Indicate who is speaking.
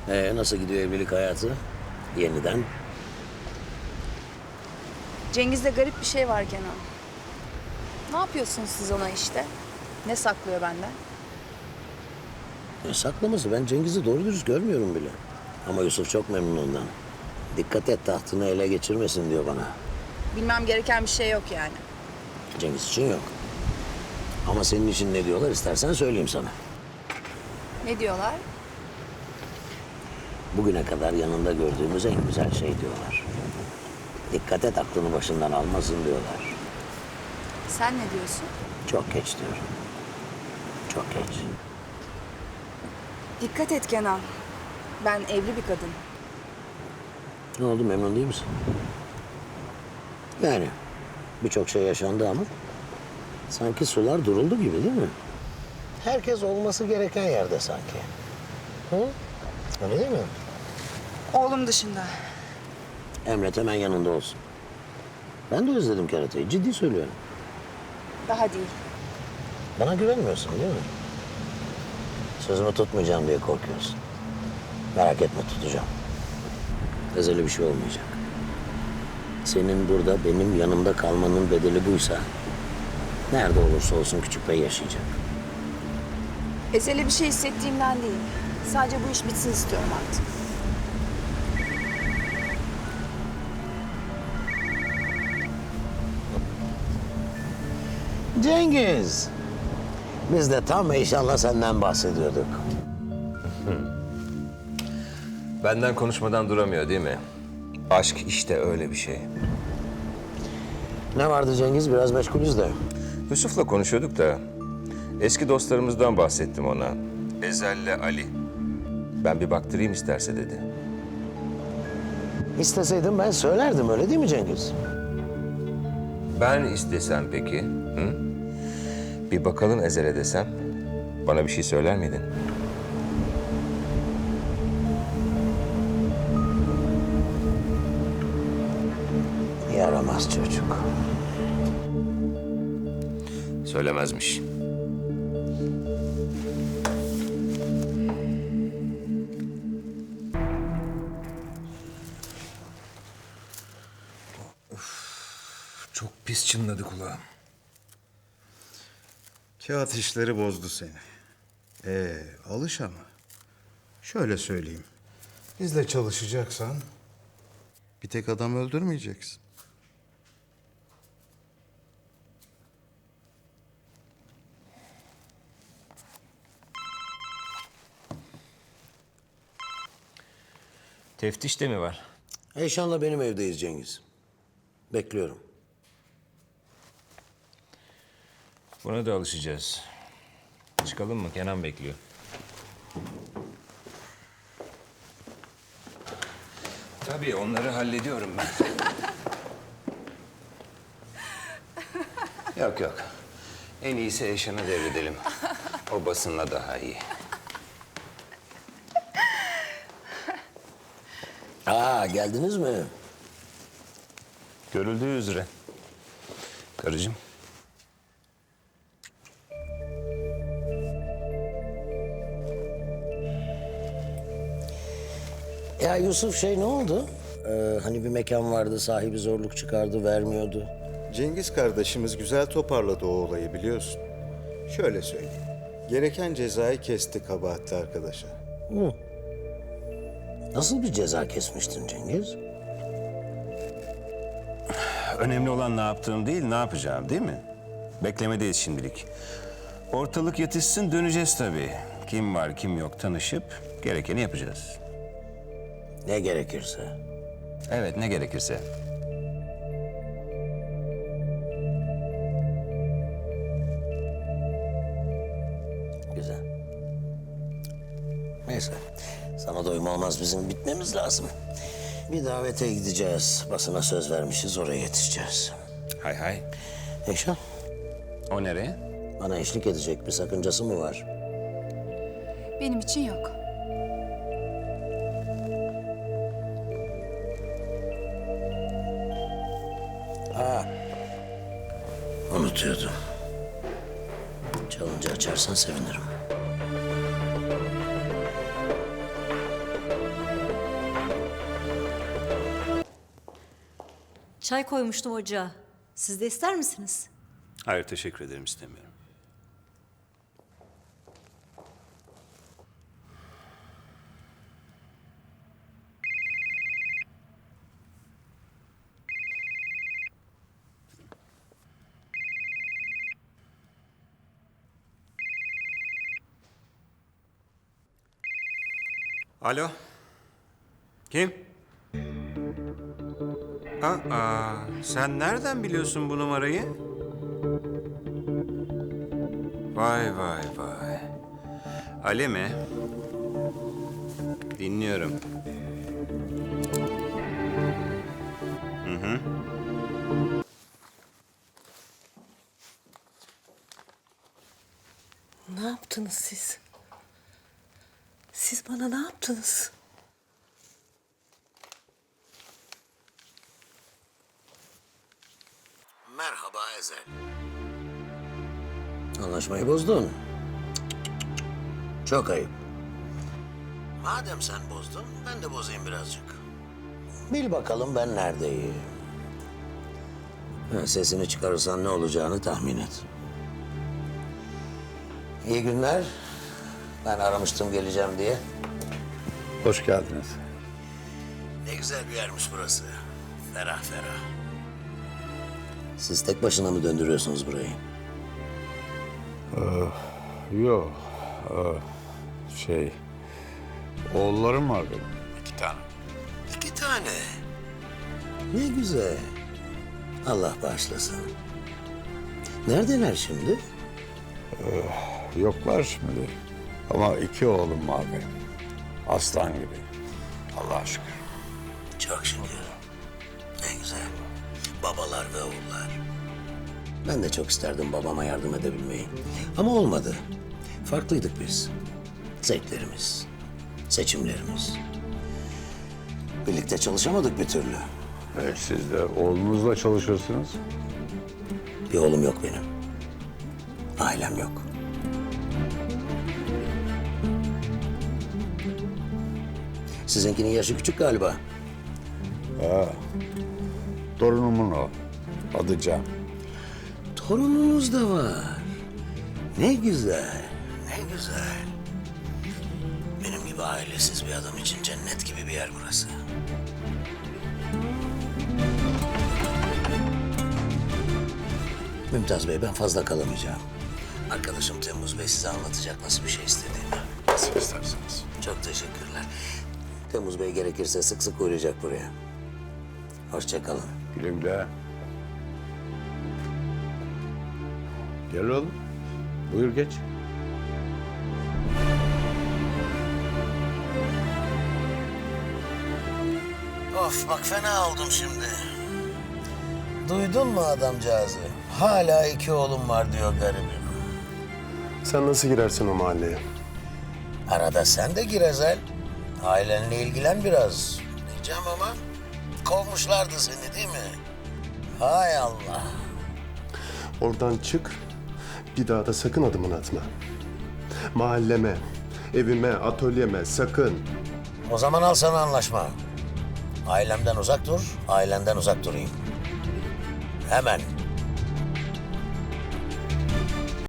Speaker 1: Nasıl gidiyor evlilik hayatı? Yeniden.
Speaker 2: Cengiz'de garip bir şey var Kenan. Ne yapıyorsunuz siz ona işte? Ne saklıyor benden?
Speaker 1: Ne saklaması? Ben Cengiz'i doğru dürüst görmüyorum bile. Ama Yusuf çok memnun ondan. Dikkat et tahtını ele geçirmesin diyor bana.
Speaker 2: Bilmem gereken bir şey yok yani.
Speaker 1: Cengiz için yok. Ama senin için ne diyorlar istersen söyleyeyim sana.
Speaker 2: Ne diyorlar?
Speaker 1: Bugüne kadar yanında gördüğümüz en güzel şey diyorlar. Dikkat et aklını başından almasın diyorlar.
Speaker 2: Sen ne diyorsun?
Speaker 1: Çok geç diyorum. Çok geç.
Speaker 2: Dikkat et Kenan. Ben evli bir kadın.
Speaker 1: Ne oldu, memnun değil misin? Yani birçok şey yaşandı ama sanki sular duruldu gibi değil mi? Herkes olması gereken yerde sanki. Hı? Öyle değil mi?
Speaker 2: Oğlum dışında.
Speaker 1: Emret hemen yanında olsun. Ben de özledim kerateyi, ciddi söylüyorum.
Speaker 2: Daha değil.
Speaker 1: Bana güvenmiyorsun değil mi? Sözümü tutmayacağım diye korkuyorsun. Merak etme, tutacağım. Özel bir şey olmayacak. Senin burada benim yanımda kalmanın bedeli buysa... ...nerede olursa olsun küçük bey yaşayacak.
Speaker 2: Ezeli bir şey hissettiğimden değil. Sadece bu iş bitsin istiyorum artık.
Speaker 1: Cengiz! Biz de tam inşallah senden bahsediyorduk.
Speaker 3: Benden konuşmadan duramıyor değil mi? Aşk işte öyle bir şey.
Speaker 1: Ne vardı Cengiz? Biraz meşgulüz de.
Speaker 3: Yusuf'la konuşuyorduk da eski dostlarımızdan bahsettim ona. Ezel'le Ali. Ben bir baktırayım isterse dedi.
Speaker 1: İsteseydim ben söylerdim, öyle değil mi Cengiz?
Speaker 3: Ben istesem peki? Hı? Bir bakalım Ezel'e desem bana bir şey söyler miydin?
Speaker 1: Yaramaz çocuk.
Speaker 3: Söylemezmiş. Çok pis çınladı kulağım.
Speaker 4: Kağıt işleri bozdu seni. Alış ama. Şöyle söyleyeyim. Bizle çalışacaksan bir tek adam öldürmeyeceksin.
Speaker 3: Teftiş de mi var?
Speaker 1: Eyşan'la benim evdeyiz Cengiz. Bekliyorum.
Speaker 3: Buna da alışacağız. Çıkalım mı? Kenan bekliyor. Tabii onları hallediyorum ben. Yok yok. En iyisi Eyşan'a devredelim. O basınla daha iyi.
Speaker 1: Geldiniz mi?
Speaker 3: Görüldüğü üzere. Karıcığım.
Speaker 1: Ya Yusuf ne oldu? Hani bir mekan vardı, sahibi zorluk çıkardı, vermiyordu.
Speaker 4: Cengiz kardeşimiz güzel toparladı o olayı biliyorsun. Şöyle söyleyeyim. Gereken cezayı kesti kabahatli arkadaşa.
Speaker 1: Hı. Nasıl bir ceza kesmiştin Cengiz?
Speaker 5: Önemli olan ne yaptığım değil, ne yapacağım değil mi? Beklemedeyiz şimdilik. Ortalık yatışsın, döneceğiz tabii. Kim var, kim yok tanışıp gerekeni yapacağız.
Speaker 1: Ne gerekirse.
Speaker 5: Evet, ne gerekirse.
Speaker 1: Güzel. Neyse, sana doyum olmaz, bizim bitmemiz lazım. Bir davete gideceğiz, basına söz vermişiz, oraya yetişeceğiz.
Speaker 5: Hay hay.
Speaker 1: Eyşan,
Speaker 5: O nereye?
Speaker 1: bana eşlik edecek bir sakıncası mı var?
Speaker 2: Benim için yok.
Speaker 1: Unutuyordum. Çalınca açarsan sevinirim.
Speaker 6: Çay koymuştum ocağa. Siz de ister misiniz?
Speaker 5: Hayır, teşekkür ederim, istemiyorum. Alo. Kim? Sen nereden biliyorsun bu numarayı? Vay vay vay. Ali mi? Dinliyorum.
Speaker 7: Ne yaptınız siz? Siz bana ne yaptınız?
Speaker 1: Merhaba Ezel. Anlaşmayı bozdun. Çok ayıp. Madem sen bozdun, ben de bozayım birazcık. Bil bakalım ben neredeyim. Sesini çıkarırsan ne olacağını tahmin et. İyi günler. Ben aramıştım geleceğim diye.
Speaker 8: Hoş geldiniz.
Speaker 1: Ne güzel bir yermiş burası. Ferah ferah. Siz tek başına mı döndürüyorsunuz burayı?
Speaker 8: Yok. Oğullarım var benim. 2 tane.
Speaker 1: 2 tane. Ne güzel. Allah bağışlasın. Neredeler şimdi?
Speaker 8: Yoklar şimdi. Ama 2 oğlum var benim. Aslan gibi. Allah'a şükür.
Speaker 1: Çok şükür. Ne güzel. Babalar ve oğullar. Ben de çok isterdim babama yardım edebilmeyi. Ama olmadı. Farklıydık biz. Zevklerimiz, seçimlerimiz. Birlikte çalışamadık bir türlü.
Speaker 8: Siz de oğlunuzla çalışırsınız.
Speaker 1: Bir oğlum yok benim. Ailem yok. Sizinkinin yaşı küçük galiba.
Speaker 8: Torunumun o. Adı Can.
Speaker 1: Torununuz da var. Ne güzel, ne güzel. Benim gibi ailesiz bir adam için cennet gibi bir yer burası. Mümtaz Bey, ben fazla kalamayacağım. Arkadaşım Temmuz Bey size anlatacak nasıl bir şey istediğini.
Speaker 8: Nasıl isterseniz.
Speaker 1: Çok teşekkürler. Temmuz Bey gerekirse sık sık uğrayacak buraya. Hoşça kalın.
Speaker 8: Güle güle. Gel oğlum. Buyur geç.
Speaker 1: Of bak fena oldum şimdi. Duydun mu adamcağızı? Hala 2 oğlum var diyor garibim.
Speaker 9: Sen nasıl girersin o mahalleye?
Speaker 1: Arada sen de gir Ezel. Ailenle ilgilen biraz. Diyeceğim ama kovmuşlardı seni değil mi? Hay Allah.
Speaker 9: Oradan çık, bir daha da sakın adımını atma. Mahalleme, evime, atölyeme sakın.
Speaker 1: O zaman al sana anlaşma. Ailemden uzak dur, ailenden uzak durayım. Hemen.